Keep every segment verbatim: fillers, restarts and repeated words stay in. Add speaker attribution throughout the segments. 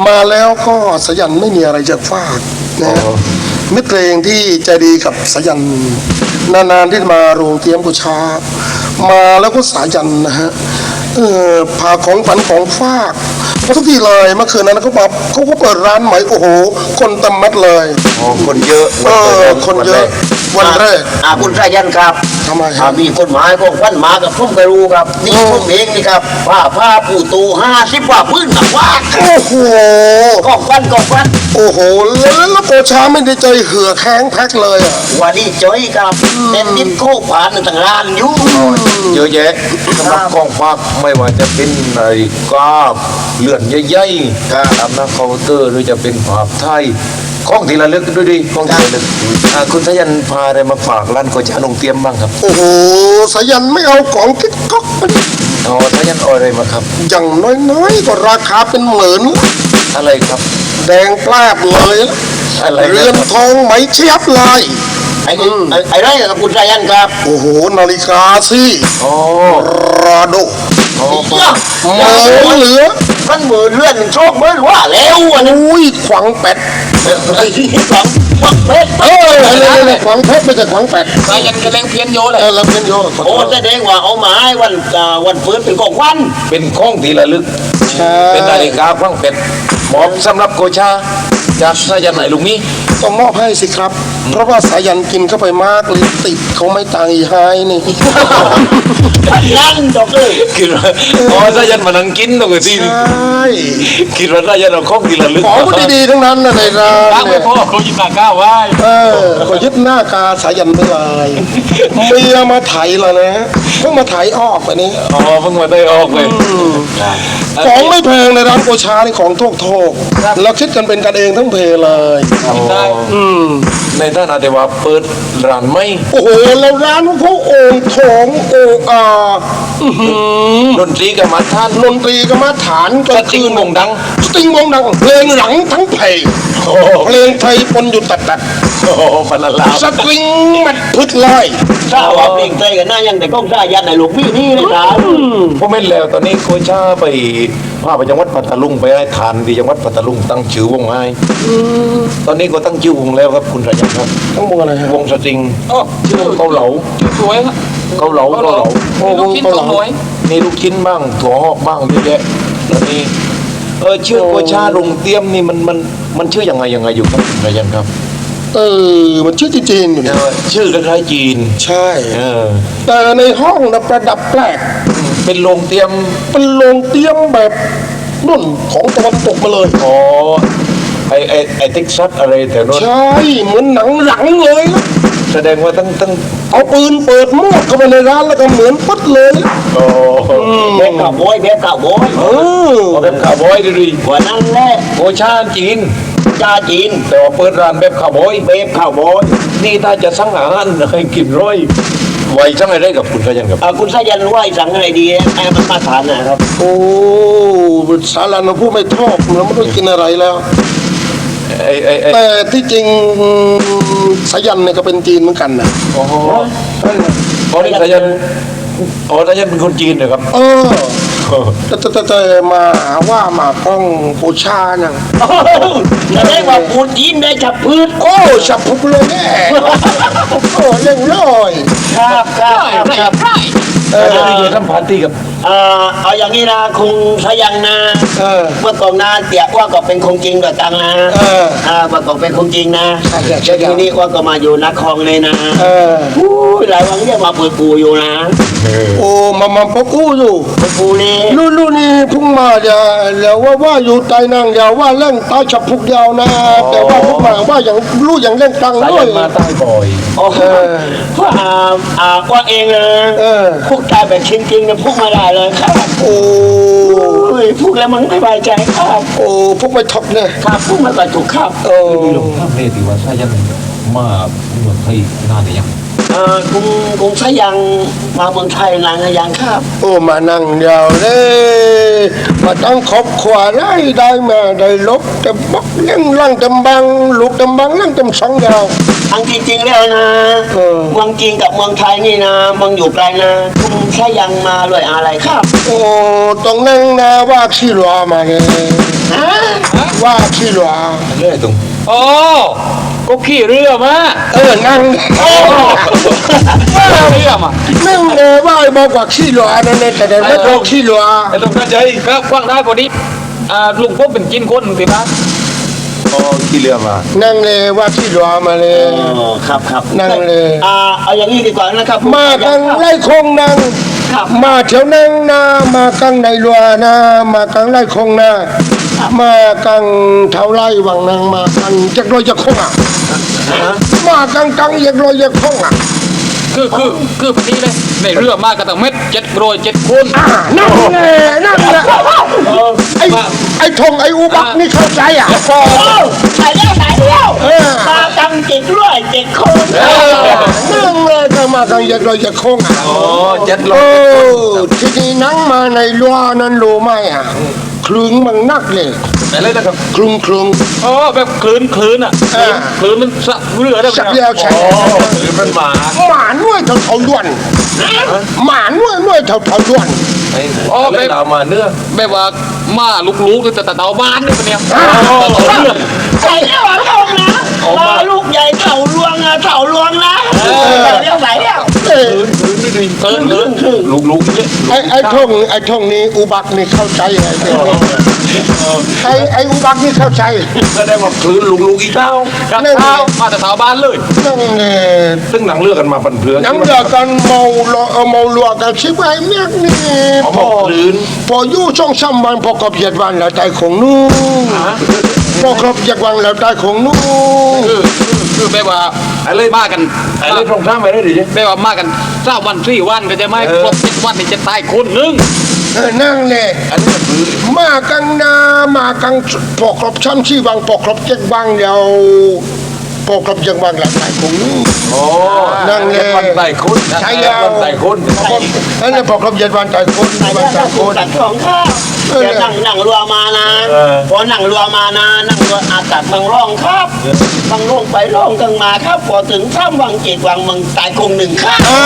Speaker 1: มาแล้วก็สายันไม่มีอะไรจะฝากนะมิตรเพลงที่ใจดีกับสายันนานๆที่มาโรงเตรียมกุชามาแล้วก็สายันนะฮะเออพาของฝันของฝากมาทุกทีเลยเมื่อคืนนั้นเขาบอกเขาก็เปิดร้านใหม่โอ้โหคนเต็มมัดเลย
Speaker 2: อ๋อคนเยอะ
Speaker 1: เออคนเยอะวันแรก
Speaker 3: อ่าคุณสายันครับ
Speaker 1: ทำไมค
Speaker 3: อ่า
Speaker 1: รับ
Speaker 3: มีกฎหมายของวันมากับพุ่มกระรูครับนี่พุ่มเองนี่ครับผ้าผ้าปูตูห้าสิบกว่าพื้นหนักว่า
Speaker 1: โอ้โห
Speaker 3: กองฟันกองฟัน
Speaker 1: โอ้โหแล้วแล้วโกชาไม่ได้ใจเหือแข้งแพ็คเลยอ่ะ
Speaker 3: วันนี้จ้อยครับเป็นดินโค้ผ่านต่างร้านอยู่
Speaker 2: เยอะแยะสำหรับกองฝากไม่ว่าจะเป็นนาฬิกาเลื่อนใหญ่ๆตามหน้าเคาน์เตอร์หรือจะเป็นภาพไทยของที่ระลึกด้วยดิของที่ระลึกอ่าคุณสายันพาอะไรมาฝากร้านโกชาลงเตรียมบ้างครับ
Speaker 1: โอ้โหสายันไม่เอาของกิ๊กก๊อกไป
Speaker 2: อ๋อสายันเอาอะไรมาครับ
Speaker 1: อย่างน้อยๆก็ราคาเป็นหมื่น
Speaker 2: อะไรครับ
Speaker 1: แดงแปลบเลย
Speaker 2: อะไร
Speaker 1: เรือนทองไหมเชียบเลย
Speaker 3: ไอ้ไอ้ไรกับคุณสายันครับ
Speaker 1: โอ้โหนาฬิกาสิ
Speaker 2: โอ้
Speaker 1: ราโด
Speaker 2: โอ้
Speaker 1: หมื่นเหลือ
Speaker 3: มันหมื่นเลื่อนโชคเมื่อว่าแล้วอันนี้
Speaker 1: อุ้ยขวางเป็ด
Speaker 3: ขวางขวางเพชร
Speaker 1: เอออะไรๆขวางเพชรไม่ใช่ขวางเป็ด
Speaker 3: สายันกระเลงเพี้ยนโยเลย
Speaker 1: เออเราเพี้ยนโย
Speaker 3: โอ้แสดงว่าเอามาให้วันวันฟื้นเป็นของวัน
Speaker 2: เป็นของที่ระลึกเป็นนาฬิกาขวางเป็ดมอบสำหรับโกชาจากสายันไหนลุงนี้
Speaker 1: ต้องมอบให้สิครับเพราะว่าสายันกินเข้าไปมากเลยติดเขาไม่ตายหายนี่
Speaker 3: นั่งจบเลย
Speaker 2: คิดว่าอ๋อสายันมานั่งกินตรงนี้
Speaker 1: ใช่
Speaker 2: คิดว่าสายันเอาของที่ระลึก
Speaker 1: ของก็ดีๆทั้งนั้นนะในร้าน
Speaker 3: เนี่ยพ่อเขายึดหน้าก้าวไว้
Speaker 1: เออเขายึดหน้ากาสายันไปเลยเมียมาไถแล้วนะเพิ่งมาไถออกไปนี้
Speaker 2: อ๋อเพิ่งมาได้ออกเลย
Speaker 1: ของไม่แพงในร้านโกชาในของโทกโทกเราคิดกันเป็นกันเองทั้งเพเลย
Speaker 2: ได้อืมในท่านอาจจะว่าเปิดร้านไม่
Speaker 1: โอ้โหแล้วร้านของเขาโอ่งทองโอ่งอ่า
Speaker 2: ดนตรีกับมาท่าน
Speaker 1: ดนตรีกับมาฐาน
Speaker 2: ก็คือวงดัง
Speaker 1: สติงวงดังเพลงหลังทั้งเพลงเพลงไทยปนอยู่ตัดตัด
Speaker 2: โอ้พันละลา
Speaker 1: สตริงมันพึดลอย
Speaker 3: ถ้าว่าเพลงไทยกันหน้ายังแต่ก้องสายันในหลวงพี่นี่เลยครับ
Speaker 2: ผมไม่แล้วตอนนี้โคชาไปพาไปจังหวัดปัตตานีไปให้ทานที่จังหวัดปัตตานีตั้งชื่อวงให้ตอนนี้ก็ตั้งชื่อวงแล้วครับคุณสายันครับ
Speaker 1: ตั้งวงอะไรครับ
Speaker 2: วงสตริงชื่อวงเกาเหลา
Speaker 3: สวยครับ
Speaker 2: เกาเหลาเกาเหลา
Speaker 3: โอ้วงเกาเหลา
Speaker 2: มีลูกชิ้นบ้างถั่วหอกบ้างเยอะแยะแล้วนี่เออชื่อโกชาลงเตรียมนี่มันมันมันชื่อยังไงยังไงอยู่ครับสายันครับ
Speaker 1: เออมันชื่อจีนอยู่
Speaker 2: เนี่ยชื่อคล้ายๆจีน
Speaker 1: ใช่
Speaker 2: เออ
Speaker 1: แต่ในห้องนะประดับแปลก
Speaker 2: เป็นโรงเตรียม
Speaker 1: เป็นโรงเตรียมแบบนุ่นของตะวันตกมาเลย
Speaker 2: อ๋อไอไอไอเท็กซัสอะไรแต่โน้น
Speaker 1: ใช่เหมือนหนังหลังเลยนะ
Speaker 2: แสดงว่าตั้งตั้ง
Speaker 1: เอาปืนเปิดมวกเข้าไปในร้านแล้วก็เหมือนปั๊ดเลย
Speaker 2: โอ้
Speaker 3: แบบข่าวบอยแบบข่าวบอย
Speaker 1: เออ
Speaker 2: แบบข่าวบอยดิ
Speaker 3: กว่านั้นแหละ
Speaker 2: โกชาจีน
Speaker 3: ชาจีน
Speaker 2: แต่ว่าเปิดร้านแบบข่าวบอย
Speaker 3: แบบข่าวบอย
Speaker 2: นี่ถ้าจะสั่งอาหารให้กินร้อยไว้สั่งอะไรกับคุณสายันครับ
Speaker 3: คุณสายันไหวสั่งอะไรดีแอมมาทานนะครับ
Speaker 1: โอ้สารันผู้ไม่ชอบเราไม่ต้องกินอะไรแล้วแต่ที่จริงสายันเนี่ยก็เป็นจีนเหมือนกันนะ
Speaker 2: โอ้โหอ๋อนี่สายันอ๋อสายันเป็นคนจีนเหรอครับ
Speaker 1: เออแต่แต่แต่มาว่ามาก้องปูชาเนี่ย
Speaker 3: จะได้ว่าปูจีนได้ฉับพืช
Speaker 1: โอ้ฉับพุกเลยแน่โอ้เล่งลอย
Speaker 3: ครับครับครับ
Speaker 2: เออเดี๋ยวทำปาร์ตี้กับ
Speaker 3: เออเอาอย่างนี้นะคงสายันนะเมื่อก่อนนะเตี่ยว่าก็เป็นคงจริงกับตังนะเออเมื่อก่อนเป็นคงจริงนะทีนี้ว่าก็มาอยู่นักคลองเลยนะเออหลายวันเรียกมาเปิดปูอยู่นะ
Speaker 1: โอ้มามาปกูอยู่
Speaker 3: ปกูนี่
Speaker 1: ลู่ลู่นี่พุ่งมาเดี๋ยวเดี๋ยวว่าว่าอยู่ใต้นั่งเดี๋ยวว่าเล่นตาฉับพุกเดียวนะแต่ว่าพุ่งมาว่าอย่างลู่อย่างเล่นตังด้วย
Speaker 2: มาใต้บ่อย
Speaker 3: โอ้เพราะอ่าอ่าว่าเองนะพวกตายแบบจริงๆเนี่ยพุ่งมาได้เลยครับ
Speaker 1: โอ้
Speaker 3: ยพูดแล้วมันไม่สบายใจครับ
Speaker 1: โอ้พวกไม่ทบเนี่ย
Speaker 3: ครับพูดมาก็ถูกครับ
Speaker 2: โอ้ลงท่าเรติว่าสายันมาเมืองไทยนานหรือยัง
Speaker 3: เออกรุงกรุงสายันมาเมืองไทยนานหรือยังครับ
Speaker 1: โอ้มานั่งเดียวเลยมาตั้งครอบครัวได้ได้มาได้ลบแต่บักเลี้ยงร่างจำบังลูกจำบังร่างจำสองยาว
Speaker 3: ทั้งจริงๆแล้วนะเมืองจีนกับเมืองไทยนี่นะเมืองอยู่ไกลนะกรุงสายันมาด้วยอะไรครับ
Speaker 1: โอ้ตรงนั้นนะว่าชิรอมาเลย
Speaker 3: ฮะ
Speaker 1: ว่าขี้หลัว
Speaker 2: เรื่อยตรง
Speaker 4: อ๋อก็ขี่เรือมา
Speaker 1: เออนั่ง
Speaker 4: ว่าเรือมา
Speaker 1: นั่งเลยว่าไอ้บอกว่าขี้หลัวนั่นเองแต่เดี๋ยวไม่โตขี้หลัว
Speaker 4: ไอ้ตรงนั้นใจก็กว้างได้พอดีอ่าลุงพบเป็นกินคนสิบ้าน
Speaker 2: อ๋อขี่เรือมา
Speaker 1: นั่งเลยว่าขี้หลัวมาเลย
Speaker 3: อ๋อครับครับ
Speaker 1: นั่งเลย
Speaker 3: อ่าเอาอย่างนี้ดีกว่านะครับ
Speaker 1: มากังไล่คงนาง
Speaker 3: ครับ
Speaker 1: มาเถียวนั่งนามากังในรัวนามากังไล่คงนามากังเท้าไล่วังนางมากังจักรโรยจักรคงอ่ะมากังกังจักรโรยจักรคงอ่ะ
Speaker 4: คือคือคือพอดีเลยในเรือมากระตังเม็ดเจ็ดโรยเจ็ดคน
Speaker 1: อ่านั่นแหละนั่นแหละไอ้ไอ้ทงไอ้อุบักนี่เข้าใจอ่ะ
Speaker 3: โอ้ใส่เลี้ยวใส่เลี้ยว
Speaker 1: เออ
Speaker 3: มาจังจิตด้วยเจ็ดคน
Speaker 1: นั่งเลยก็มากังจักรโรยจักรคงอ่ะ
Speaker 2: อ๋อเจ็ดล
Speaker 1: โอ้
Speaker 2: ม
Speaker 1: ทีนี้นั่งมาในรัวนั้นรู้ไหมอ่ะคลึงมันนักเลย
Speaker 2: อะไรนะครับ
Speaker 1: คลึงคลึง
Speaker 4: อ๋อแบบคลื่นคลื่นอ่ะ
Speaker 1: อ่า
Speaker 4: คลื่นมันสะเรือได้ไหม
Speaker 1: สักแล้วใช่
Speaker 2: อ๋อหรือมันหมา
Speaker 1: หมาหน่วยเท่าเท่าล้วนหมาหน่วยหน่วยเท่าเท่าล้วน
Speaker 2: ไอ้อะไรเรามาเนื้อ
Speaker 4: แบบว่ามาลุกๆแต่แต่เตาบ้านนี่ปะเนี่ยเรือ
Speaker 3: ใส่เลี้ยวทงนะรอลูกใหญ่เถ่าลวงอะเถ่าลวงนะใส่เลี้ยวใส่เลี้ยว
Speaker 1: เอ้ย
Speaker 4: คลื่นคลื่น
Speaker 2: ลุกลุกเนี่ย
Speaker 1: ไอ้ไอ้ทงไอ้ทงนี้อุบักนี่เข้าใจไอ้เด็กนี่ไอ้ไอ้อุบักนี่เข้าใจ
Speaker 2: ก็ได้ว่าคลื่นลุกลุกอีกเท้า
Speaker 4: กระเท้ามาแต่เตาบ้านเลย
Speaker 1: นั่งเนี่ย
Speaker 2: ซึ่งหนังเลือกกันมาปันเพื่อน
Speaker 1: นั่งเดือกันเมาลอเมาลัวกันชิบไอ้เมียกนี่
Speaker 2: อ๋อ
Speaker 1: พอ
Speaker 2: คลื่น
Speaker 1: พออยู่ช่องซ้ำวันพอกับเหยียดวันแล้วใจของนู้นพอครบเหยียดวันแล้วใจของนู้น
Speaker 4: คือคือแบบว่า
Speaker 2: อะไร
Speaker 4: มากัน
Speaker 2: อะไรตรงข้ามไปได้ดิ
Speaker 4: แบบว่ามากันเก้าวันสี่วันก็จะไม่ครบเจ็ดวันนี่จะตายคนหนึง
Speaker 1: เออนั่งเลย
Speaker 2: อันนี้มันคือ
Speaker 1: มากังนามากังปอกครบช้ำชีวังปอกครบเจ็ดวังเดียวปอกครบเจ็ดวังหลังใจของนู้น
Speaker 2: โอ้
Speaker 1: นั่งเลย
Speaker 2: วันใส่คุณ
Speaker 1: ใช่แล้ว
Speaker 2: วันใส่คุณ
Speaker 1: นั่นแหละปอกครบเจ็ดวันใจคน
Speaker 3: ใส่
Speaker 1: วั
Speaker 3: เลี้
Speaker 1: น
Speaker 3: ยว
Speaker 1: ใจ
Speaker 3: ตัด
Speaker 1: ค
Speaker 3: ของ
Speaker 1: น
Speaker 3: ตัดของข้าวเดี๋ยวนั่งนั่งรัวมานะพอนั่งรัวมานะนั่งรัวอาตัดบางร่องครับบางร่องไปร่องกันมาครับพอถึงข้ามวังเจ็ดวังมึงตายคงหนึ่งข้าว
Speaker 1: อ่า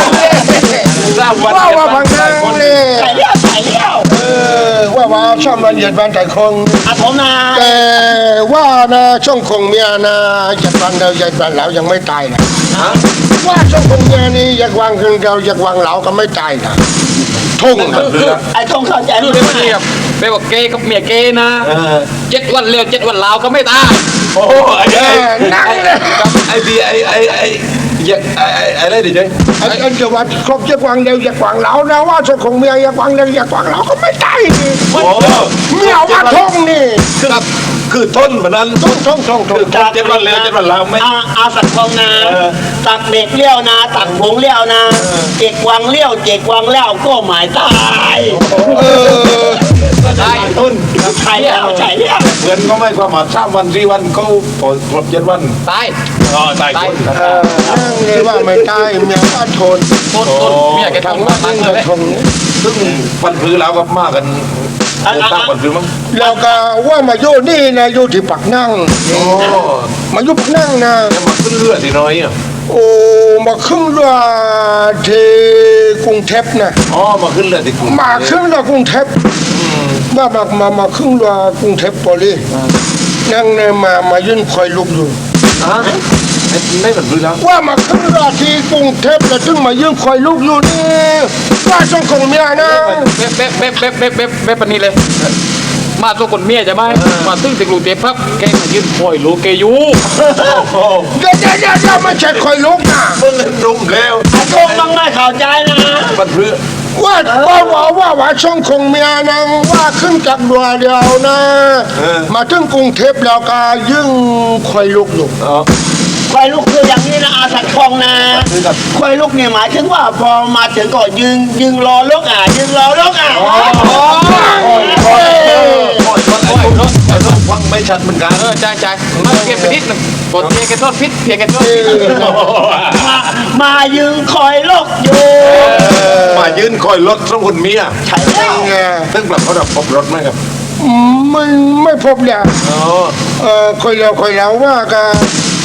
Speaker 1: ว่าว่าพังนางเลย
Speaker 3: ใส่เลี้ยวใส่เลี้ยว
Speaker 1: เออว่าว่าช่องวันเหยียดวันใจคง
Speaker 3: อาผมนา
Speaker 1: แต่ว่านะช่องคงเมียนะเหยียดวันเดียวเหยียดวันเหลายังไม่ตายนะว่าช่องคงเมียนี่เหยียดวันคืนเดียวเหยียดวันเหลาก็ไม่ตายนะทุ่งนะ
Speaker 3: ไอ้ทงเข้าใจ
Speaker 4: คือ
Speaker 3: ไหม
Speaker 4: แบบนี้แบบแบบว่าเกย์กับเมียเกย์นะเจ็ดวันเร็วเจ็ดวันลาวก็ไม่ตาย
Speaker 2: โอ้ไอ้
Speaker 1: เอ
Speaker 2: ไอ้
Speaker 1: อนั่งเลย
Speaker 2: ไอ้ดีไอ้ไอ้ไอ้อยากไอ้ไอ้อะไรดิเจ๊
Speaker 1: ไอ้ไอ้เจ้าว่าครบเหยียดวันเดียวเหยียดวันเหลานะว่าช่องคงเมียเหยียดวันเดียวเหยียดวันเหลาก็ไม่ตายนี่
Speaker 2: โอ้
Speaker 1: เมียว่าทุ่งนี่
Speaker 2: คือคือต้นมันนั้น
Speaker 1: ทุ่งทุ่งทุ่งทุ่ง
Speaker 2: เจ็ดวันแล้วเจ็ดวันแล้วไม่
Speaker 3: อาอาสักทองนาตักเด็กเลี้ยวนาตักผงเลี้ยวนาเจ็กวังเลี้ยวเจ็กวังเลี้ยวก็หมายตาย
Speaker 1: เออ
Speaker 4: ตาย
Speaker 2: ต้น
Speaker 3: ใช่แล้วใช่แล้ว
Speaker 2: เงินก็ไม่ความหมายสามวันสี่วันเขาพอครบเจ็ดวัน
Speaker 4: ตาย
Speaker 2: อ๋อตาย
Speaker 4: ตาย
Speaker 2: คน
Speaker 1: เออนั่งเลยว่าไม่ตายเมียว่าทน
Speaker 4: ต้นต้นเมียแกท
Speaker 1: ทาง
Speaker 4: ง
Speaker 1: ว่า
Speaker 4: มา
Speaker 1: นี่
Speaker 4: ตั้ง
Speaker 1: ก็
Speaker 4: เลย
Speaker 1: ทง
Speaker 2: ซึ่งปันพื้นแล้วก็มากันตั้งปันพื้นมั้ง
Speaker 1: แล้วก็ว่ามาอยู่นี่นะอยู่ที่ปักนั่ง
Speaker 2: โอ้
Speaker 1: มาอยู่ปักนั่งนะ
Speaker 2: ยังมาขึ้นเรือที่น้อยอ่ะ
Speaker 1: โอ้มาขึ้นเรือที่กรุงเทพนะ
Speaker 2: อ๋อมาขึ้นเรือที่กรุง
Speaker 1: มาขึ้นเรือกรุงเทพมามามามาขึ้นเรือกรุงเทพพอดีนั่งเนี่ยมามายืนคอยลุกอยู่
Speaker 2: อ่ะไม่ปันพื้นแล้ว
Speaker 1: ว่ามาขึ้นเรือที่กรุงเทพแล้วถึงมายืนคอยลุกอยู่นี่ว่าช่องของเมียนะ
Speaker 4: เบ๊ะเบ๊ะเบ๊ะเบ๊ะเบ๊ะเบ๊ะเบ๊ะปานนี้เลย มาตัวคนเมียจะไหมมาตึ้งติกลูกเจ็บพับแกมายืนคอยลูกแกอยู่
Speaker 2: โอ้
Speaker 1: เดี๋ยวเดี๋ยวเดี๋ยวเดี๋ยวไม่ใช่คอยลุกนะ
Speaker 2: เพิ่งเล่นรุ่มแล้ว
Speaker 3: ไอ้ทงมึงไม่เข้าใจนะ
Speaker 2: ปันพื้น
Speaker 1: ว่าว่าว่าว่าว่าช่องคงเมียนางว่าขึ้นจากดัวเดียวนะ มาถึงกรุงเทพแล้วก็ยิ่งคอยลุกอยู่
Speaker 2: อ๋อ
Speaker 3: ควายลูกคืออย่างนี้นะอาสักทองนะควายลูกเนี่ยหมายถึงว่าพอมาถึงก็ยืนยืนรอลูกอ่ะยืนรอลูกอ่ะ
Speaker 2: โอ้ยโอ้ยรถไอ้รถไอ้รถฟังไม่ชัดเหมือนกัน
Speaker 4: เออใจใจมาเก็บไปนิดหนึงกดเพียแกโทษพิษเพียแกโทษพิษ
Speaker 3: มามายืนคอยลูกอยู่
Speaker 2: มายืนคอยรถสองคนเมีย
Speaker 3: ใช่แล้ว
Speaker 1: ไง
Speaker 2: ซึ่งแบบเขาดับพบรถไหมครับ
Speaker 1: ไม่ไม่พบเลย
Speaker 2: อ๋อ
Speaker 1: เออคอยแล้วคอยแล้วว่าก็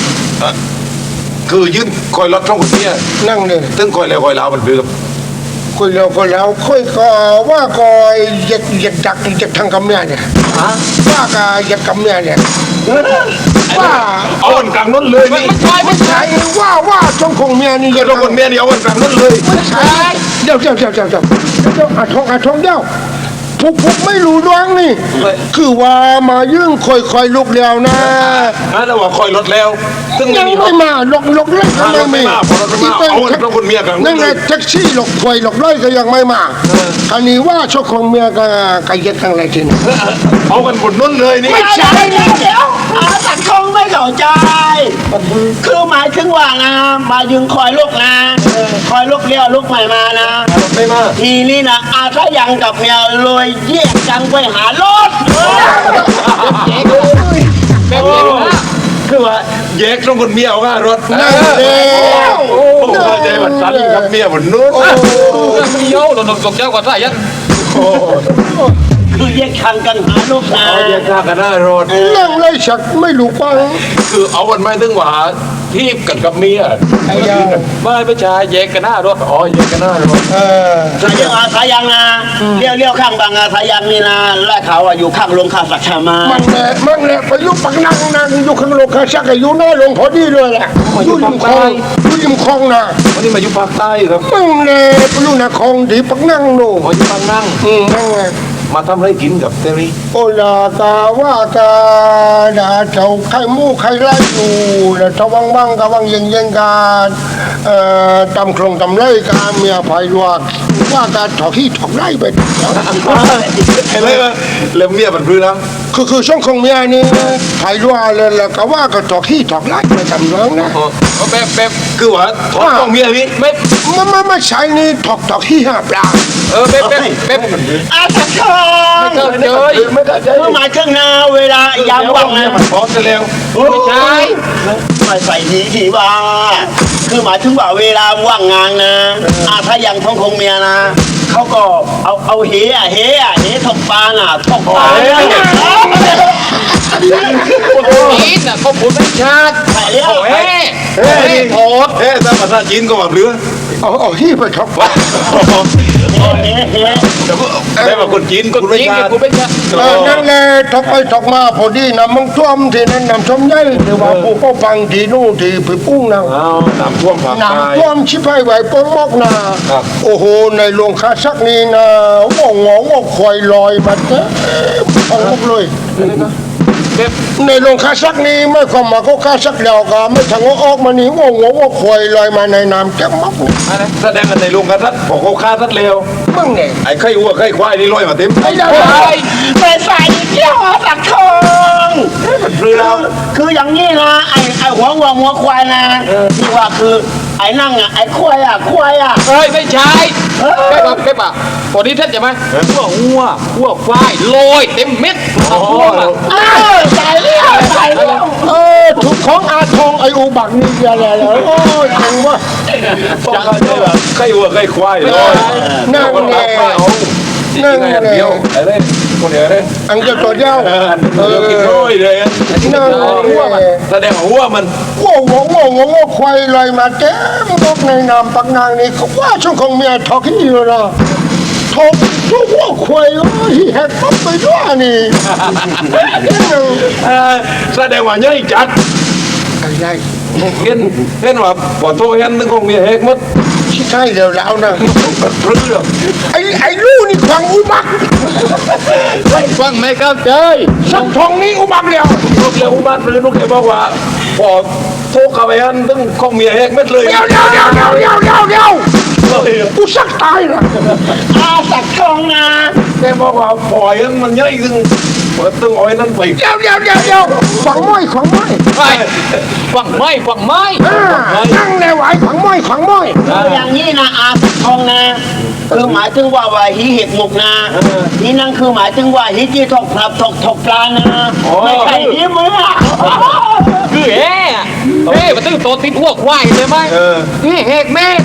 Speaker 2: คือยืนคอยรถสองคนเมีย
Speaker 1: นั่งเลย
Speaker 2: ซึ่งคอยแล้วคอยแล้วมันคือ
Speaker 1: ค
Speaker 5: คุยแล้วก็แล้วคุยก็ว่าก็อยากอยากดักอยากทางกำเนิดเนี่ยว่าก็อยากกำเนิดเนี่ยว่า
Speaker 2: เอาวันกลางนั้นเลย
Speaker 4: ไม่
Speaker 2: นี่
Speaker 4: ใช่ไม่ใช่
Speaker 5: ใช่ว่าว่าจงคงเมียนี่อ
Speaker 2: เกิ
Speaker 5: ยา
Speaker 2: ด
Speaker 5: ก
Speaker 2: เราคนเมียนี่เอาวันกลางนั้นเลย
Speaker 5: ใช่เดี๋ยวเดี๋ยวเดี๋ยวเดี๋ยวเดี๋ยวเดี๋ยวอาทองอาทองเดี๋ยวพวกพวกไม่รู้ดวงนี่ คือว่ามายื่งคอยคอยลุกแล้วนะ
Speaker 2: นะแต่ว่าคอยรถแล้วซึ่ง
Speaker 5: ยังไม่มาหลอกหลอกเล่นก็
Speaker 2: ร
Speaker 5: ไม่
Speaker 2: ถไม่
Speaker 5: มี
Speaker 2: มาพอรถไม่มาเอาวันเราคนเมียกลาง
Speaker 5: นั่
Speaker 2: นั้น น
Speaker 5: ไง
Speaker 2: เลย
Speaker 5: แท็กซี่หลอกควยหลอกไล่ก็ยังไม่มาคันนี้ว่าชกของเมียก็กยัดทางไรทีนี่
Speaker 2: เอากันบนนั้นเลยนี่
Speaker 3: ไม่ใช่เดี๋ยวอาสักคงไม่เข้าใจ คือหมายถึงว่านะมายึงคอยลูกนะคอยลูกเลี้ยวลูกใหม่มานะ
Speaker 2: ไม่มา
Speaker 3: ทีนี้นะอาถ้ายังกับเมียเลยแยกกันไปหารถ
Speaker 4: แบบนี้นะ
Speaker 2: คือว่าแยกต้องคนเมียเอาว่ารถ
Speaker 5: นั่นเอง
Speaker 2: ผมเข้าใจว่าสันกับเมียบนนู้น
Speaker 4: มีโย่หล่นตกเจ้ากว่าสายยัน
Speaker 3: คือแยกทางกันหาลูกนะ
Speaker 2: เอาแยกทางกันหน้ารถ
Speaker 5: นั่งเลยฉักไม่รู้ปัง
Speaker 2: คือเอาวันไม่ถึงว่าที่กันกับเมีย
Speaker 5: ไอ้ยา
Speaker 4: ไม่ไม่ใช่แยกกันหน้ารถ
Speaker 2: อ๋อแยกกันหน้ารถ
Speaker 5: เออ
Speaker 3: สายยังอาสายยังนะเลี้ยวเลี้ยวข้างบางอาสายยังนี่นะและเขาอะอยู่ข้างโรงข้าวสักชามา
Speaker 5: มันแหละมันแหละไปอยุปักนั่งนั่งอยู่ข้างโลกข้าชักอยู่หน้าลงพอดีเลยแหละอยู่ริมคลองอยู่ริมคลองนะ
Speaker 2: วันนี้มาอยู่ภาคใต้ครับ
Speaker 5: มึงแหละไปอยู่นาคลองดีปักนั่งโน่
Speaker 2: มาอยู่บางนั่ง
Speaker 5: อืมนั่งไง
Speaker 2: มาทำอะไรกินกับเตรี่
Speaker 5: โอลาตาว่าตาดาเจ้าไข่มูไข่ไล่อยู่แล้วถ้าว่างๆก็ว่างเย็นเย็นๆกันเอ่อตำโครงตำไล่กาเมียไผ่ลวกว่าการถอกที่ถอกไล่ไป
Speaker 2: เห็นไหมว่าเริ่มเมียมันพื้นแล้ว
Speaker 5: คือคือช่องของเมียนี่ไผ่ลวกเลยแล้วก็ว่าก็ถอกที่ถอกไล่ไปทำเรื่องนะ
Speaker 4: แบบแบบ
Speaker 2: คือว่าท้องต้องเมียนี่
Speaker 4: ไม่
Speaker 5: ไม่ไม่ไม่ใช่นี่ถอกถอกที่ห้าปลา
Speaker 4: เออแบบแบบแบบ
Speaker 3: อาสักคง
Speaker 4: เจอเจอ
Speaker 2: ไม่เข้าใจ
Speaker 3: คือหมายถึงนะเวลายามว่าง
Speaker 2: เมีย
Speaker 3: นะ
Speaker 2: มันท้องจะแล้ว
Speaker 4: ไม่ใช่
Speaker 3: ไม่ใส่ดีทีว่า คือหมายถึงว่าเวลาว่างงานนะอาถ้ายังท้องคงเมียนะเขาก็เอาเอาเฮอะเฮอะเฮถกปลาน่ะถกปลาน่ะ
Speaker 4: จีนน่ะเขาพูดไม่ชัด
Speaker 3: ใส่เลี้ยว
Speaker 4: เฮ้
Speaker 2: เฮ้ย
Speaker 4: เฮ้
Speaker 2: นี่
Speaker 4: โทษ
Speaker 2: เฮ้ยถ้าภาษาจีนก็แบบเรือ
Speaker 5: เอาเอาที่ไปถอกปลา
Speaker 3: เฮเฮ
Speaker 2: ได้มาคนจีน
Speaker 4: คน
Speaker 2: คุณไม่
Speaker 4: จีน
Speaker 2: ชา
Speaker 4: เนี่ยกูไม่ชัด
Speaker 5: เออนั่นแหละถอกไปถอกมาพอดีนะมึงท่วมที่นั่นน้ำท่วมใหญ่หรือว่าผู้ก็ฟังที่นู่นที่ไปปุ้งนะ
Speaker 2: อ้าวน้ำท่วมภาคใต้
Speaker 5: น้ำท่วมชิบหายไหวปงมอกนา
Speaker 2: ครับ
Speaker 5: โอ้โห ในโรงคาชักนี้นะว่องงว่าควายลอยมาเต็มท้องมกเลย
Speaker 4: แบบ
Speaker 5: ในโรงคาชักนี้ไม่ความมาเขาคาชักแล้วก็ไม่ทางว่าออกมานี่ว่องงว่าควายลอยมาในน้ำเต็มมอกเลย
Speaker 2: อะไรแสดงกันในโรงกระทัดบอกเขาฆ่าทัดเร็ว
Speaker 5: มึงเนี่ย
Speaker 2: ไอ้ไข่วัวไข่ควายนี่ลอยมาเต็ม
Speaker 5: ไอ้ยา
Speaker 3: ไปใส่เที่ยวอาสักคง
Speaker 2: คือเรา
Speaker 3: คืออย่างนี้นะไอ้ไอ้หัววัวหัวควายนะที่ว่าคือไอ้นั่งอ่ะไอ้ควายอ่ะควายอ่ะ
Speaker 4: เฮ้ยไม่ใช่แบบแบบแบบอ่ะพอดีท่านใช่ไหมหัวหัวหัวควายลอยเต็มเม็ดหัวอ่ะ
Speaker 3: เออใส่เลี้ยวใส่เลี้ยว
Speaker 5: เออถูกของอาทองไอ้อุบักนี่อะไรเลยโอ้ยเจ๋งว่ะ
Speaker 2: จังเลยไข่วัวไข่ควายลอย
Speaker 5: นั่งแน่นั่ง
Speaker 2: ไง
Speaker 5: แน่
Speaker 2: เดียวอะไรคนเดียวเลย
Speaker 5: อังจะตัวเดียว
Speaker 2: เออเดียวกินร้อยเลย
Speaker 5: นั่งแน่
Speaker 2: แสดงว่าหัวมัน
Speaker 5: ว้าวว้าวว้าวว้าวควายลอยมาเต็มบกในน้ำปักนางนี่เขาว่าช่วงของเมียทอกที่อยู่นะทอกทุกว่าควายโอ้ยแหกปั๊บไปด้วยนี่
Speaker 2: เออแสดงว่าใหญ่จัด
Speaker 5: อะไร
Speaker 2: เห็นเห็นว่าปอโตเห็นนึงคงมีเฮกมัด
Speaker 5: ใช่เดี๋ยวแล้วนะ
Speaker 2: เรื่อง
Speaker 5: ไอ้ไอ้ลูกนี่ขวางอุบัก
Speaker 4: ฟังไม่เข้าใจ
Speaker 5: สักทองนี้อุบักเดียว
Speaker 2: ลูกเลี้ยงบ้านเลยลูกเลี้ยงบอกว่าพอโทรเข้าไปอันตึงคงมีเฮกมัดเลย
Speaker 5: เดี๋ยวเดี๋ยวเดี๋ยวเดี๋ยวเดี๋ยวเดี๋ยวเดี๋ยวกูสักตายละ
Speaker 3: อาสักคงนะ
Speaker 2: แกบอกว่าปล่อยมันใหญ่ตึงเปิดตึงอ้อยนั่นไป
Speaker 5: เดี๋ยวเดี๋ยวเดี๋ยวเดี๋ยวขวางม้อยขวางม้อย
Speaker 4: ไปฟังไม่ฟังไม่
Speaker 5: อ่านั่งในไหวขวางม้อยขวางม้อย
Speaker 3: คืออย่างนี้นะอาสักคงนะคือหมายถึงว่าว่าหีเห็ดหมกนะนี่นั่นคือหมายถึงว่าหีจีถกปลาถกถกปลานะไม่ใช่หีมือ
Speaker 4: คือเฮ้เฮ้มาตื้อโตติดหัวควายเลยไหมนี่เฮกแม่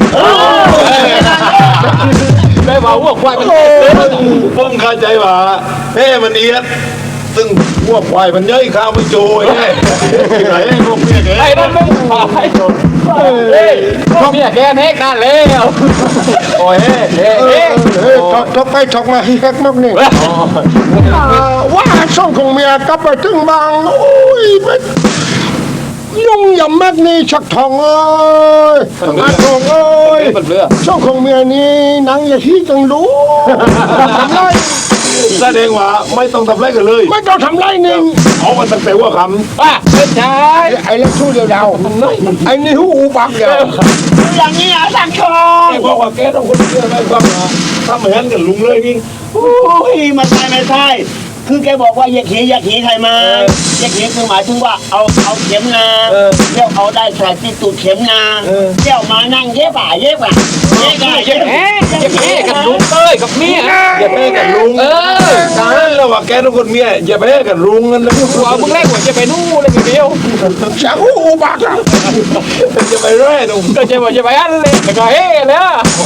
Speaker 4: ไม่ว่าหัวควายมัน
Speaker 2: ผมเข้าใจว่าเฮ้มันเอียดซึ่งพวกควายมันเย้ยข้าวไม่โจยไงที่ไหนไอ้พวกเมียแก
Speaker 4: ไอ้นั่นไม่ขายเฮ้ยพวกเมียแกเน็กนั่นแล้ว
Speaker 2: โอ้ยเฮ้เฮ้
Speaker 5: เอ้ยเอ้ยทอกทอกไปทอกมาให้แฮกมากนี่อ่าว่าช่องของเมียกลับไปถึงบางโอ้ยมันยุ่งยำมากนี่ชักทองเอ้ยชักทองเอ้ย
Speaker 4: เป็นเรือ
Speaker 5: ช่องของเมียนี่หนังอย่าที่จังรู้ทำไร
Speaker 2: แสดงว่าไม่ต้องทำไรกันเลย
Speaker 5: ไม่ต้องทำไรหนึ่ง
Speaker 2: เอามันตั้งแต่ว่าค
Speaker 4: ป้าเป็นชาย
Speaker 5: ไอ้เล็กชู้เดียวดาวไอ้นี่หูอูบักเดียว
Speaker 3: อย่างนี้อ่ะสังค
Speaker 2: ำ
Speaker 3: ม
Speaker 2: ไอ้บอกว่าแกต้องคนเชื่อไหมครับถ้าเหมือนกับลุงเลยนี่
Speaker 3: โอ้ยไม่ใช่ไม่ใช่คือแกบอกว่าอย่าขี่อย่าขี่ใครมาอย่าขี่คือหมายถึงว่าเอาเอาเข็มนาเที่ยวเอาได้ใส่ที่ตูดเข็มนาเที่ยวมานั่งเย็บอ่ะเย็บอ่ะเย็บอ่ะเย็บ
Speaker 4: เอ๊ะอย่าเพ่กับลุงเอ้ยกับเมีย
Speaker 2: อย่าไปกับลุง
Speaker 4: เออ
Speaker 2: ตายแล้วว่าแกต้องคนเมียอย่าไปกับลุงนั่นเลย
Speaker 4: หัวมึงเล่นหัวจะไปนู่นเลยเดียว
Speaker 5: จะหูอูบักอ่ะ
Speaker 2: จะไปเรื่อยตรง
Speaker 4: ก็จะว่าจะไปอันเลยแต่ก็เฮ้แล้ว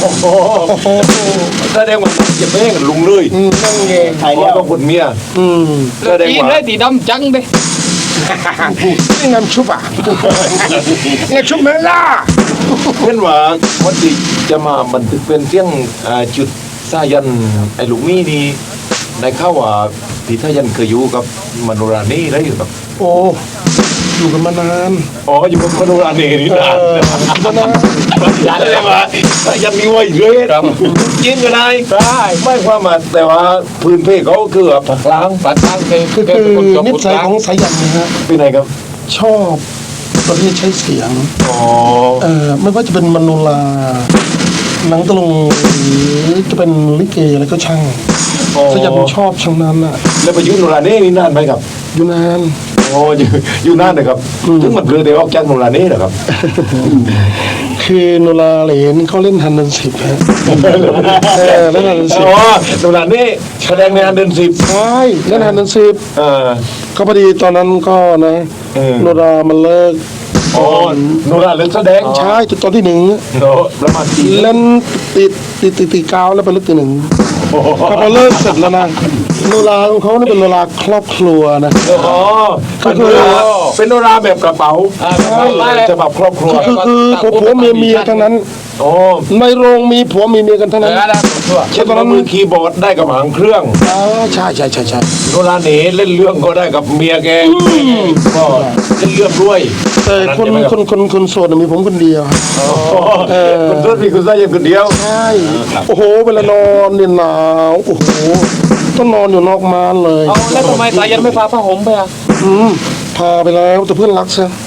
Speaker 2: แสดงว่าอย่าไปกับลุงเลย
Speaker 5: นั่งเงย
Speaker 3: ใคร
Speaker 2: เพ
Speaker 3: เลี้ย
Speaker 2: ราะ
Speaker 3: ว
Speaker 2: ต้องคนเมีย
Speaker 5: อืม
Speaker 2: แสดง
Speaker 4: ตีน
Speaker 2: ว่า
Speaker 4: เลยตีดำจังเลย
Speaker 5: นี่น้ำชุบอ่ะนี่ชุบเมล่า
Speaker 2: เช่นว่าวันที่จะมาบันทึกเป็นเสียงอ่าจุดสายันไอ้ลูกมี่นี่ในข้าวว่าพี่สายันเคยอยู่กับมโนรานี่แล้วอยู่กับ
Speaker 5: โอ้อยู่กันมานาน
Speaker 2: อ๋ออยู่กับมโนรานี่นี่นาน
Speaker 5: มานาน
Speaker 2: นานเลยว่าสายันมีไว้เรื่อยครับจิ้นก็ได้
Speaker 4: ได้
Speaker 2: ไม่ความมาแต่ว่าพื้นเพเขาคือแบบผักล้าง
Speaker 4: ปัดทางเคย
Speaker 5: คือ
Speaker 4: เคย
Speaker 5: คื
Speaker 4: เป็น
Speaker 5: อ
Speaker 4: คนจบ
Speaker 5: นิ
Speaker 4: คน
Speaker 5: สัย
Speaker 4: กลาง
Speaker 5: ของสายันนะฮะ
Speaker 2: เป็นไงครับ
Speaker 5: ชอบประเภทใช้เสียง
Speaker 2: อ๋อ
Speaker 5: เอ่อไม่ว่าจะเป็นมโนราหนังตะลุงหรือจะเป็นลิเกอะไรก็ช่างสายันชอบช่างนั้นอ่ะ
Speaker 2: แล้วไปอยุ่มโนราเน่นี่นานไหมครับ
Speaker 5: อยู่นาน
Speaker 2: โอ้อยู่อยู่นานเลยครับถึงมันเรือเดียวออกจากโนราเน่เหรอครับ
Speaker 5: คือโนราเหรนเขาเล่นฮันเดนสิบฮะเออเล่นฮันเดนสิบ
Speaker 2: อ๋อโนราเน่แสดงในอันเดินสิบ
Speaker 5: ใช่เล่นฮันเดนสิบ
Speaker 2: เออ
Speaker 5: ก็พอดีตอนนั้นก็นะ
Speaker 2: เออ
Speaker 5: โนรามันเลิก
Speaker 2: อ๋อโนราเล่นแสดง
Speaker 5: ใช่ตอนที่หนึ่ง
Speaker 2: โนประมาณสี่
Speaker 5: เล่นติดติดติดติดกาวแล้วไปเลิกตีหนึ่งพอพอเลิกเสร็จแล้วนะโนราของเขานี่เป็นโนราครอบครัวนะ
Speaker 2: อ๋อเป็นโนราเป็นโนราแบบกระเป๋า
Speaker 4: อ่าใช่
Speaker 2: จะแบบครอบครัว
Speaker 5: คือคือผัวผัวเมียเมียทั้งนั้น
Speaker 2: อ๋อ
Speaker 5: ในโรงมีผัวมีเมียกันทั้ง
Speaker 4: เอ
Speaker 5: นั้น
Speaker 4: อได้ตัว
Speaker 2: เช่นว่ามือคีย์บอร์ดได้กับหางเครื่อง
Speaker 5: อ๋อใช่ใช่ใช่ใช่
Speaker 2: โนราเน่เล่นเรื่องก็ได้กับเมียแกก็เล่นเรื่องด้วย
Speaker 5: แต่คนคนคนคนโสดน่ะมีผมคนเดียว
Speaker 2: เออคุณต้นมีคุณสายันคนเดียว
Speaker 5: ใช่โอ้โหเวลานอนเนี่ยหนาวโอ้โหต้องนอนอยู่นอกม่านเลย
Speaker 4: เอาแล้วทำไมสายันไม่พาผ้าห่มไปอ่ะ
Speaker 5: อืมพาไปแล้วแต่เพื่อนรักซะ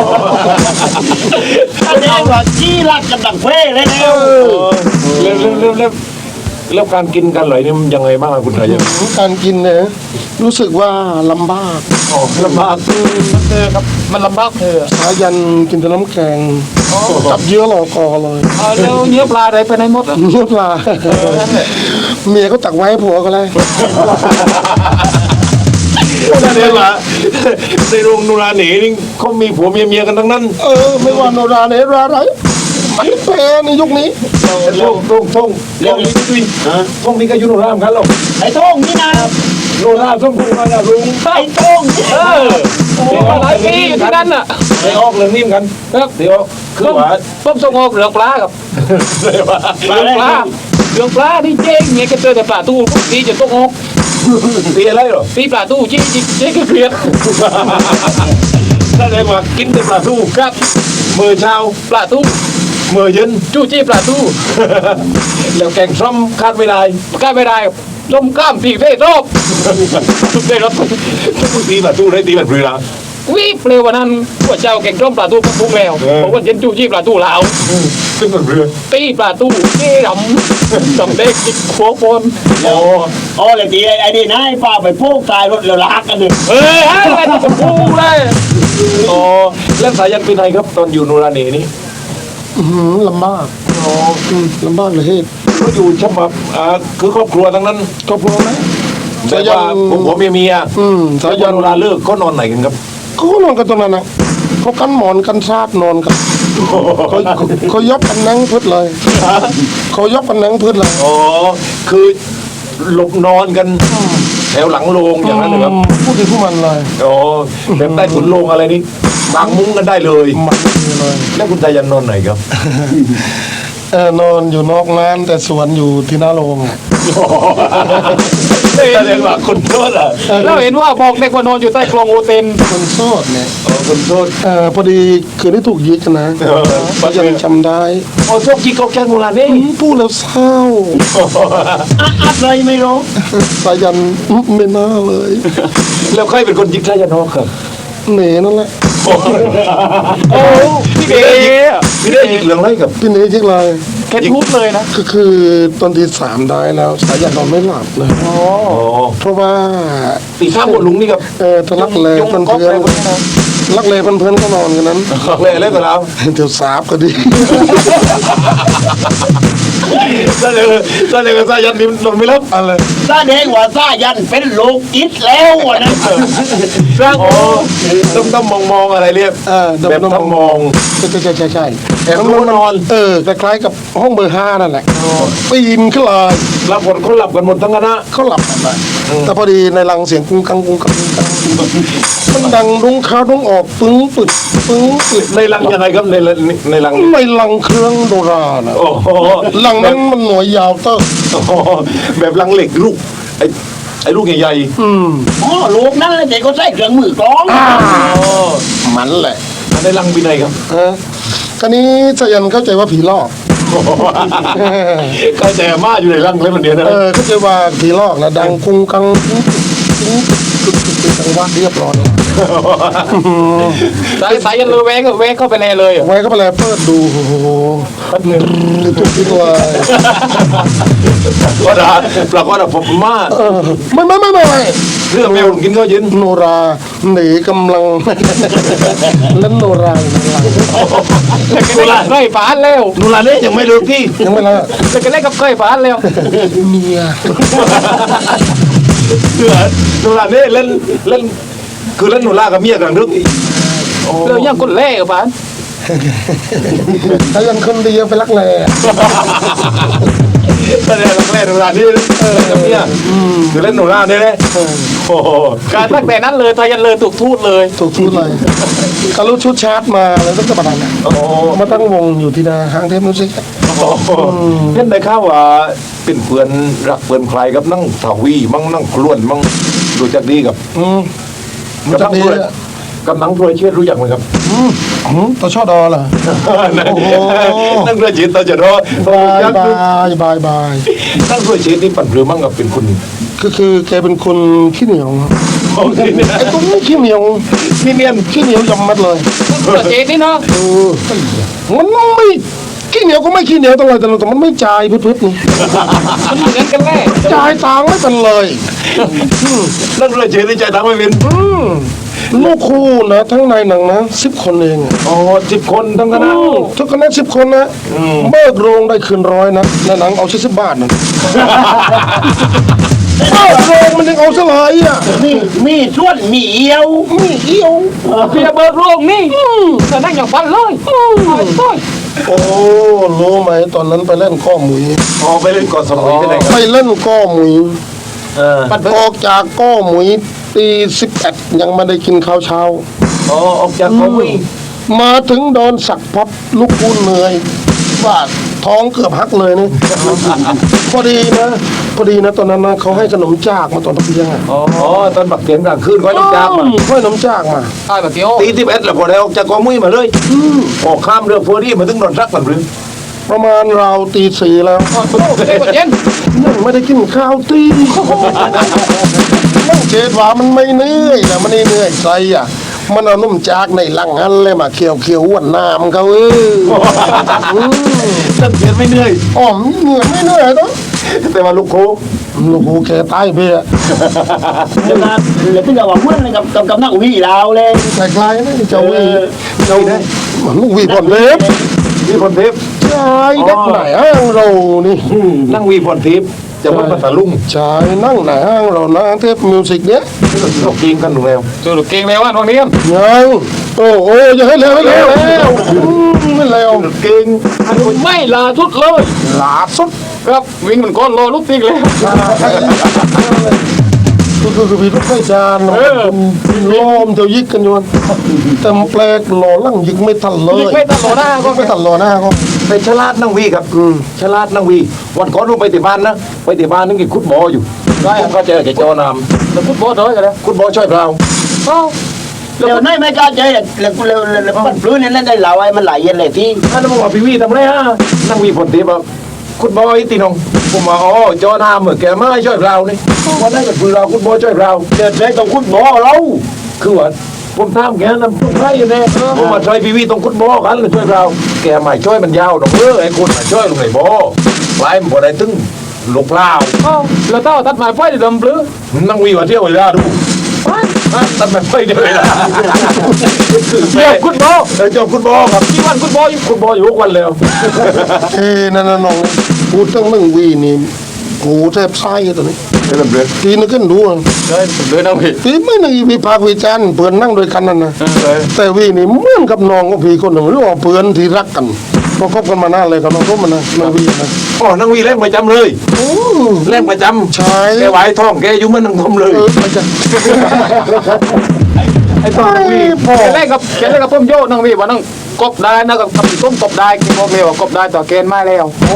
Speaker 3: แสดงว่าจี้รักกันดังเฟ้เลยแล้ว
Speaker 2: เริ่มเริ่มเริ่มเริ่มเริ่มการกินกันเลยนี่มันยังไงบ้างคุณสายัน
Speaker 5: การกินเนี่ยรู้สึกว่าลำบาก
Speaker 2: อ๋อลำบาก
Speaker 4: มันเธอครับมันลำบากเธอ
Speaker 5: สายันกินแต่น้ำแกงจับเยื่อหลอกคอเลย
Speaker 4: เอาแล้วเนื้อปลาอะไรไปไหนหมดอ่ะ
Speaker 5: เนื้อปลาเมียก็ตักไว้ให้ผัวก็เลย
Speaker 2: แสดงว่าในโรงโนราเหน่นี่เขามีผัวเมียเมียกันทั้งนั้น
Speaker 5: เออไม่ว่าโนราเนราไรมันแพ้ในยุคนี้
Speaker 2: ท่งท่งท่งท่งนี้ด้วยท่งนี้ก็อยุโนราเหมือนกันหรอก
Speaker 3: ไอ้โต้งนี่นะ
Speaker 2: โนราท่งท่งมาแล้วลุง
Speaker 3: ไอ้โต้งนี่
Speaker 4: เออมาหลายปีอยู่ที่นั่นอ่ะ
Speaker 2: ไปออกเรื่องนี้เหมือนกัน
Speaker 4: ครับ
Speaker 2: เดี๋ยวคือว่า
Speaker 4: ต้มส่งออกเหลืองปลาครับ
Speaker 2: เลยว่า
Speaker 4: เหลืองปลาเหลืองปลานี่เจ๊งเนี่ยก็เจอแต่ปลาตู้ตีจะต้องออก
Speaker 2: ตีอะไรหรอ
Speaker 4: ตีปลาตู้เจ๊งเจ๊งก็เกลียด
Speaker 2: แสดงว่ากินแต่ปลาทู
Speaker 4: ครับ
Speaker 2: มือเช้า
Speaker 4: ปลาตู้
Speaker 2: มือเย็น
Speaker 4: จู้จี้ปลาตู้
Speaker 2: แล้วแกงส้มคาดไม่ได้
Speaker 4: กล้าไม่ได้ต้มกล้ามตีเฟ่รอบได้รถ
Speaker 2: ตีปลาทูได้ตีแบบเรือ
Speaker 4: วิเปลววันนั้นพระเจ้าแก่งต้มปลาตู้ก็พุงแล้วบอกว่าเย็นจู้จี้ปลาตู้ลาว
Speaker 2: ซึ่งแบบเรือ
Speaker 4: ตีปลาตู้เจ๊ดำดำเด็กจิกหัวบน
Speaker 3: โอ้โอ้เลยตีไอ้นี่นะไอ้ป้าไปพูกตายรถแล้วลากกันเลย
Speaker 4: เฮ้ยอะไรจะพูดเลย
Speaker 2: อ๋อแล้วสายันเป็นไงครับตอนอยู่โนราเน่นี่
Speaker 5: อื้อหือลำบาก
Speaker 2: อ๋อ
Speaker 5: อืมลำบากเลยเฮ้ย
Speaker 2: ก็อยู่ฉบับอ่าคือครอบครัวทั้งนั้น
Speaker 5: ก็พอไหม
Speaker 2: แต่ว่าผมผัวเมียเมีย
Speaker 5: อืมสา
Speaker 2: แล้ว
Speaker 5: ยั
Speaker 2: ยั
Speaker 5: น
Speaker 2: นโนราเลิกเขานอนไหนกันครับ
Speaker 5: เขาก็นอนกันตรงนั้นนะเขากันหมอนกันซาดนอนกันเขาเขายบกันนั่งพืชเลยเขายบกันนั่งพืชเลย
Speaker 2: อ๋อคือหลบนอนกันแถวหลังโรงอย่างนั้นเลยครับ
Speaker 5: พูดถึงผู้มันเลย
Speaker 2: โอ้แบบใต้ถุนโรงอะไรนี่บางมุ้งกันได้เลย
Speaker 5: มันไม่มีเลย
Speaker 2: แล้วคุณตายันนอนไหนครับ
Speaker 5: เออนอนอยู่นอกงานแต่สวนอยู่ที่หน้าโรงอะ
Speaker 2: แสดงว่าคนโทษอ่ะ
Speaker 4: เราเห็นว่าบอกเด็กว่านอนอยู่ใต้กลองโอเทน
Speaker 5: คนโสดเนี่ย
Speaker 2: อ๋อคนโทษ
Speaker 5: เออพอดีคืนที่ถูกยิงนะ
Speaker 2: เออ
Speaker 5: ยังจำได้
Speaker 2: อ๋อโชคจีกอกแกงโบราณนี่
Speaker 5: พูดแล้วเศร้า
Speaker 3: อะอะไรไม่รู้
Speaker 5: สายันไม่น่าเลย
Speaker 2: แล้วใครเป็นคนยิงตายันนอกครับ
Speaker 5: เหน่นั่นแหละ
Speaker 4: โอ้พี่เก๋
Speaker 2: พี่ได้ยิงเรื่องอะไรกับ
Speaker 5: พี่เหน่ที่ไร
Speaker 4: แค่ทุบเลยนะ
Speaker 5: ก็คือตอนที่สามได้แล้วสายันนอนไม่หลับเลย
Speaker 2: อ๋อ
Speaker 5: เพราะว่า
Speaker 2: ตีข้ามบนลุงนี่กับ
Speaker 5: เออทะลักเล
Speaker 4: ยง
Speaker 5: เพื่อน
Speaker 4: ก๊อก
Speaker 5: เพื่อน
Speaker 4: อะไรพวกนี้นะ
Speaker 5: ลักเลเพื่อนเพื่อนก็นอนกันนั้น
Speaker 2: เลยเล่นกับเรา
Speaker 5: เดี๋ยวสาบก็ดี
Speaker 2: แสดงแสดงว่าตายันนี่นอนไม่หลับ
Speaker 5: อะไร
Speaker 3: แสดงว่าซายันเป็นโลกิตแล้วอะนะ
Speaker 2: สร้างโอ้ต้องต้องมองมองอะไรเรียก
Speaker 5: เออ
Speaker 2: แบบต้องมอง
Speaker 5: ใช่ใช่ใช่ใช่ใช่
Speaker 2: แอบรู้นอน
Speaker 5: เออคล้ายๆกับห้องเบอร์ห้านั่นแหละปีนขึ้นเลย
Speaker 2: รับผลเขาหลับกันหมดทั้งคณะ
Speaker 5: เขาหลับกันไปแต่พอดีในรังเสียงกุ้งกังกุ้งกังกุ้งกังมันดังดุ้งเข้าดุ้งออกปึ้งปึดปึ้งปึด
Speaker 2: ในรังยังไงครับในรังในรัง
Speaker 5: ในรังเครื่องโดราน่ะ
Speaker 2: โอ้โห
Speaker 5: รังนั้นมันหน่วยยาวเต้อ
Speaker 2: โอ้โหแบบรังเหล็กลูกไอ้ไอ้ลูกใหญ่
Speaker 5: อืม
Speaker 3: อ๋อลูกนั่นเลยเด็กก็ใส่เครื่องมือกลอง
Speaker 2: ๆ
Speaker 5: มันแหละ
Speaker 2: อันในรังปีไหนครับ
Speaker 5: ฮะคราวนี้สายันเข้าใจว่าผีหลอก
Speaker 2: ก็แต่มาอยู่ในรังเลยมันเดียวนะ
Speaker 5: เออเข้าใจว่าผีหลอกนะดังกุ้งกังกุ้งกุ้งกุ้งกุ้งกุ้งจังหวะเรียบร้อยแล้ว
Speaker 4: สายสายยันเลยแวงแวงเข้าไปแน่เลยอ่ะ
Speaker 5: ไว้ก็ไปเลยเปิดดูโอ้โห
Speaker 2: แป๊บนึง
Speaker 5: ทุกทีเลย
Speaker 2: ก็ได้ปรากฏว่าผมมา
Speaker 5: เออไม่ไม่ไม่ไม่ไม่
Speaker 2: เรื่องแมวกินข้าวเย็น
Speaker 5: โนราหนีกำลัง เล่นโนราอยู่ในหลัง
Speaker 4: แล้วก็เล่นกับเคยฝานแล้ว
Speaker 2: นูลาเนี่ยยังไม่เลิกที่
Speaker 5: ยังไม่ละ
Speaker 4: แล้วก็เล่นกับเคยฝานแล้ว
Speaker 5: เมีย
Speaker 2: เถื่อนนูลาเนี่ยเล่นเล่นคือเล่นนูลากับเมียกันนึกอีก
Speaker 4: เรายังคนเล่กับฝาน
Speaker 5: ถ้ายังคนเดียวไปรักแร้
Speaker 2: แสดงรังแรกนูลานี่เล่นกับเมียคือเล่นนูลาเนี่ยเลยโอ้โห
Speaker 4: การตั้งแต่นั้นเลยทายันเลยถูกทูตเลย
Speaker 5: ถูกทุดเลยก็รู้ชุดชาร์จมาแล้วตั้งแต่ประดันน่ะ
Speaker 2: โอ้โห
Speaker 5: มาตั้งวงอยู่ที่นาห้างเทพมิวสิก
Speaker 2: เห็นได้ข่าวว่าเป็นเพื่อนรักเพื่อนใครกับนั่งถาวีมั่งนั่งคล้วนมั่งรู้จักดีกับ
Speaker 5: อืม
Speaker 2: กับ
Speaker 5: จั
Speaker 2: นั่
Speaker 5: ก
Speaker 2: ง
Speaker 5: ดี
Speaker 2: พลอยกับนั่งพลอยเชิดรู้จักไหมครับ
Speaker 5: อืมอืมตัวชอดอเหรอ โอ้โห
Speaker 2: นั่งพลอยเชิดตาจะรอบ
Speaker 5: ายบายบายบาย
Speaker 2: นั่งพลอยเชิดนี่ปั่นเรือมั่งกับเป็นคน
Speaker 5: ก็คือแกเป็นคนขี้เหนียวไอ้ตัวนี้ขี้เหนียว
Speaker 2: พี่เนียน
Speaker 5: ขี้เหนียวยำมัดเลย
Speaker 4: ตัวเจนี่เนาะ
Speaker 5: เออมันไม่ขี้เหนียวก็ไม่ขี้เหนียวตลอดแต่แต่มันไม่จ่ายพืดๆนี่
Speaker 4: มันเหมือนกันแน่
Speaker 5: จ่ายตังค์ไม่เป็นเลย
Speaker 2: นั่งพลอยเชิดนี่ใจตังไม่เป็น
Speaker 5: อืมลูกคู่นะทั้งในหนังนะสิบคนเองอะ
Speaker 2: อ๋อสิบคนทั้งคณะ
Speaker 5: ทุกคณะสิบคนนะเบิกโรงได้คืนร้อยนะในหนังเอาสิบบาทนะเบิกโรงมันยังเอาสลายอ่ะ
Speaker 3: มีมีส่วนมีเอียว
Speaker 5: มีเอี้ยว
Speaker 4: เพียเบิกโรงนี่แต่นั่งอย่างฟันเลยต้อย
Speaker 5: โอ้รู้ไหมตอนนั้นไปเล่นก้อหมุย
Speaker 2: อ๋อไปเล่นเกาะสมุยที่ไหนครับ
Speaker 5: ไปเล่นก้อหมุย
Speaker 2: เออ
Speaker 4: ปัดเบิ
Speaker 5: อก อกจากก้อหมุยตีสิบเอ็ดยังไม่ได้กินข้าวเช้า
Speaker 2: อ๋อออกจากเกาะมุย
Speaker 5: มาถึงโดนสักพับลูกพูนเหนื่อยว่าท้องเกือบหักเลยนี่ พอดีนะ พอดีนะตอนนั้นนะเขาให้ขนมจากมาตอนตะเพียงอ่ะ
Speaker 2: อ๋อตอนบักเตียนกลางคืนก็ต้องจากมา
Speaker 5: ให้ขนมจากมา
Speaker 4: ใช่แบบเดียว
Speaker 2: ตีสิบเอ็ดแล้วพอได้ออกจากเกาะมุยมาเลยออกข้ามเรือฟัวรี่มาถึงนอนรักกันหรือ
Speaker 5: ประมาณราวตีสี่แล้ว
Speaker 4: โอ้โหเด็กเย็น
Speaker 5: ยังไม่ได้กินข้าวตีนั่งเจ็ดว่ามันไม่เหนื่อยนะมันไม่เหนื่อยใจอ่ะ มันเอานุ่มจากในลังอันเลยมาเคี่ยวเคี่ยวอ้วนน้ำเขาเอออืม
Speaker 2: นั่งเตียนไม่เหนื่อย
Speaker 5: อ๋อมเหนื่อยไม่เหนื่อยต้อง
Speaker 2: แต่ว่าลูกโค
Speaker 5: ลูกหูแกตายเบี้ย
Speaker 3: เดี๋ยวนะเดี๋ยวพี่จะบอกว่าอะไรกับกับกับนักวิ่งเราเลย
Speaker 5: คล้ายๆนะเจ้าวีเจ้ามันลูกวีผ่อนเล็บ
Speaker 2: วีพรทิพย์
Speaker 5: ใช่เด็กไหนห้างเรานี่
Speaker 2: นั่งวีพรทิพย์จะวัดภาษาลุง
Speaker 5: ใช่นั่งไหนห้างเรานะเทพมิวสิกเนี้ย
Speaker 2: เราเก่งกันหนูแล้ว
Speaker 4: ตัวลูกเก่งแล้วอ่ะตรงนี้
Speaker 5: ยังโอ้โอ้อย่าให้เร็วให้เร็วแล้วอืมไม่เร็ว
Speaker 2: เก่ง
Speaker 4: ไม่ลาทุดเลย
Speaker 5: หลาสุด
Speaker 4: ครับวิ่งมันก้อนรอลูกติ๊กเลย
Speaker 5: ลาให้ล
Speaker 1: คือพี่ทุกไม่จานล้อมเจ้ายิกกันอยู่แต่แปลกหล่อลั่งยิกไม่ทันเลย
Speaker 4: ยิงไม่ตลอดหน้าก็
Speaker 1: ไม่ทันหล่อหน้าก็
Speaker 2: เป็นฉลาดนั่งวีครับฉลาดนั่งวี วันก่อนลงไปที่บ้านนะไปที่บ้านนึกกินคุดบออยู่ได้ผมก็เจอแกเจ้านำ
Speaker 4: แล้วพุทธบอสน้อยกันแล้ว
Speaker 2: คุดบอช่วยเรา
Speaker 4: เอ้า
Speaker 3: เร็วน้อยไม่กล้าใจเลยเร็วเร็วเร็วปั้นพื้นนี่นั่นได้เหล่าไอ้มันไหลเย็นเลยที่
Speaker 2: ท่านบอกว่าพี่วีทำไรฮะนั่งวีผลตีบอกคุดบอยตีนงผมว่าอ๋อจอนามเหมือนแกไม่ช่วยเรานี่วันนั้นก็คือเราคุดบอช่วยเรา
Speaker 3: เกิดเลยต้องคุดบ่อเรา
Speaker 2: คือว่าผมทำแกนำตุ้งไร่เนี่ยผมมาช่วยพี่วีตรงคุดบอกันเลยช่วยเรา แกไม่ช่วยมันยาวดอกเออไอ้คนมาช่วยลงไหนบอไล่มันบ่ได้ตึงลูกเปล่า
Speaker 4: เอ้าแล้วเต้าตัดไม้ไฟเดิมปลื้อ
Speaker 2: นั่งวีว่าเที่ยวเวลาดูตัดแบบไม่เดียวเวลา
Speaker 4: เรียกพุทธบอส
Speaker 2: เออเจ้าคุดบอครับ
Speaker 4: ที่วันพุทธบอสอยู่
Speaker 2: คุดบออยู่ทุกวันแล้ว
Speaker 1: เอ้นั่นน่ะน้องพูดตั้งหนึ่งวีนี่กูแทบไส้ตัวนี้
Speaker 2: เริ่มเลย
Speaker 1: ทีนึกขึ้นดู
Speaker 4: เลยเลยน้องพี่
Speaker 1: ทีไม่นึกวิพากษ์วิจารณ์เพื่อนนั่งด้วยกันนั่นนะแต่วีนี่เหมือนกับน้องกับพี่คนหนึ่งหรือว่าเพื่อนที่รักกันพอคบกันมานานเลยกับน้องทุกมันนะน้องวีนะ
Speaker 2: อ๋อนั่งวีเล่นประจำเลยเล่นประจำ
Speaker 1: ใช่
Speaker 2: แกไหวท้องแกอยู่เหมันนั่งทมเลย
Speaker 1: เออมันจะ
Speaker 4: ไอ้ต้นน้องพี่
Speaker 1: พ่อ
Speaker 4: แกเล่นกับแกเล่นกับต้มโยน้องพี่ว่าน้องกบได้นะกับกับต้มกบได้กินบอกเลยว่ากบได้ต่อเกณฑ์มาแล้ว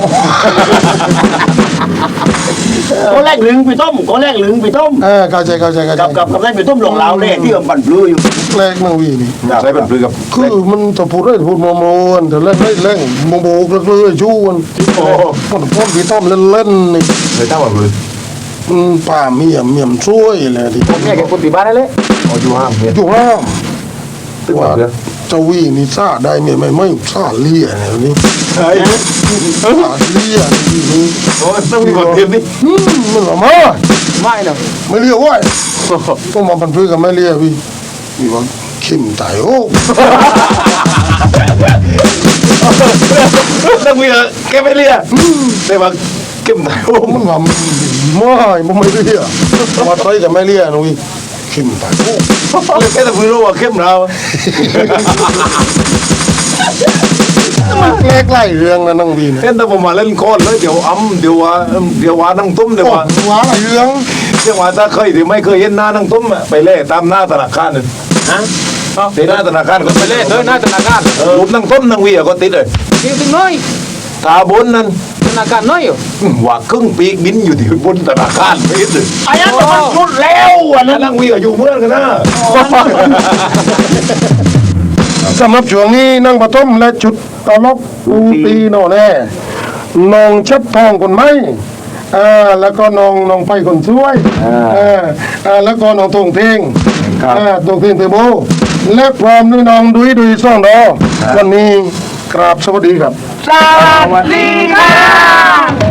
Speaker 3: ก็แรกหลึงไปต้มก็แรกหลึงไปต้ม
Speaker 1: เออเข้าใจเข้าใจเข้าใจ
Speaker 3: กับกับกับแรกไปต้มหลงเหลาเลยที่มันปั่นปลื้อยู่
Speaker 1: แรกน้องวีนี่
Speaker 2: ใช้เป็นปลือกับ
Speaker 1: คือมันจะพูดได้พูดโมโมนแต่เล่นเล่นเล่นโมโมกเลื่อยชู้มัน
Speaker 2: โอ้
Speaker 1: มันพ่นพี่ต้อมเล่นเล่นนี่
Speaker 2: เลยตั้งแบบปลือ
Speaker 1: มันป่าเมียมเมียมช่วยเลยที่
Speaker 4: ผมเนี่ยแกคนตีบ้านได้เลย
Speaker 2: อ๋ออยู่ห้ามเนี่ย
Speaker 1: อยู่ห้าม
Speaker 2: ตึ้งว่าเพื่อ
Speaker 1: เจ้าวีนี่ซาได้เมียไม่ไม่ซาเลี่ยเนี่ยนี่
Speaker 2: เฮ้ย
Speaker 1: ซาเลี่ยนี่
Speaker 2: โอ้ต้องมีคนเทียมนี่
Speaker 1: อืมมันว่ามา
Speaker 4: ไม่เนาะ
Speaker 1: ไม่เลี่ยเว้ยต้องมาพันพื้นกับไม่เลี่ยพี่พี่ว่าเข้มตายโอ้
Speaker 2: ต้องมีแกไม่เลียแต่ว่าเข้มไหนโอ้
Speaker 1: มันว่าไม่มันไม่เลี่ยมาใช้กับไม่เลี่ยนะพี่เข้มตายโอ้
Speaker 2: แค่แต่ไม่รู้ว่าเข้มเรา
Speaker 1: แรกไล่เรื่องนะนั่งวีนะ
Speaker 2: เล่นแต่ผมมาเล่นโคตรเลยเดี๋ยวอ้ำเดี๋ยวว่าเดี๋ยวว่านั่งตุ้มเดี๋ยว
Speaker 1: โอ้
Speaker 2: ว่า
Speaker 1: ว้าอะไรเรื่อง
Speaker 2: เดี๋ยวว่าถ้าเคยหรือไม่เคยเห็นหน้านั่งตุ้มไปเล่ตามหน้าธนาคารนึง
Speaker 3: ฮะ
Speaker 2: ไปหน้าธนาคารก็
Speaker 4: ไป
Speaker 2: ไป
Speaker 4: เล่
Speaker 2: เล่
Speaker 4: นเลยหน้าธนาคาร
Speaker 2: รูปนั่งตุ้มนั่งวีก็ติดเลย
Speaker 4: จริงจริงน้อย
Speaker 2: ตาบนนั้น
Speaker 4: ธนาคารน้อยอยู่
Speaker 2: ว่าครึ่งปีกบินอยู่ที่บนธนาคารไปเลย
Speaker 3: ไอ้นั่นมันรุดแล้วอัน
Speaker 2: แล้
Speaker 3: นั้
Speaker 2: วน นั่งวีก็อยู่เมื่อนกันนะ
Speaker 1: สำหรับช่วงนี้นั่งปฐมและจุดตลบอูตีโน่แน่น้องชัดทองคนไหมอ่าแล้วก็น้องน้องไปคนช่วยอ่าอ่าแล้วก็น้องตงเทงอ่าตงเทงเทโบและพร้อมด้วยน้องดุยดุยซ่องดอวันนี้กราบสวัสดีครับ
Speaker 3: สวัสดีค่ะ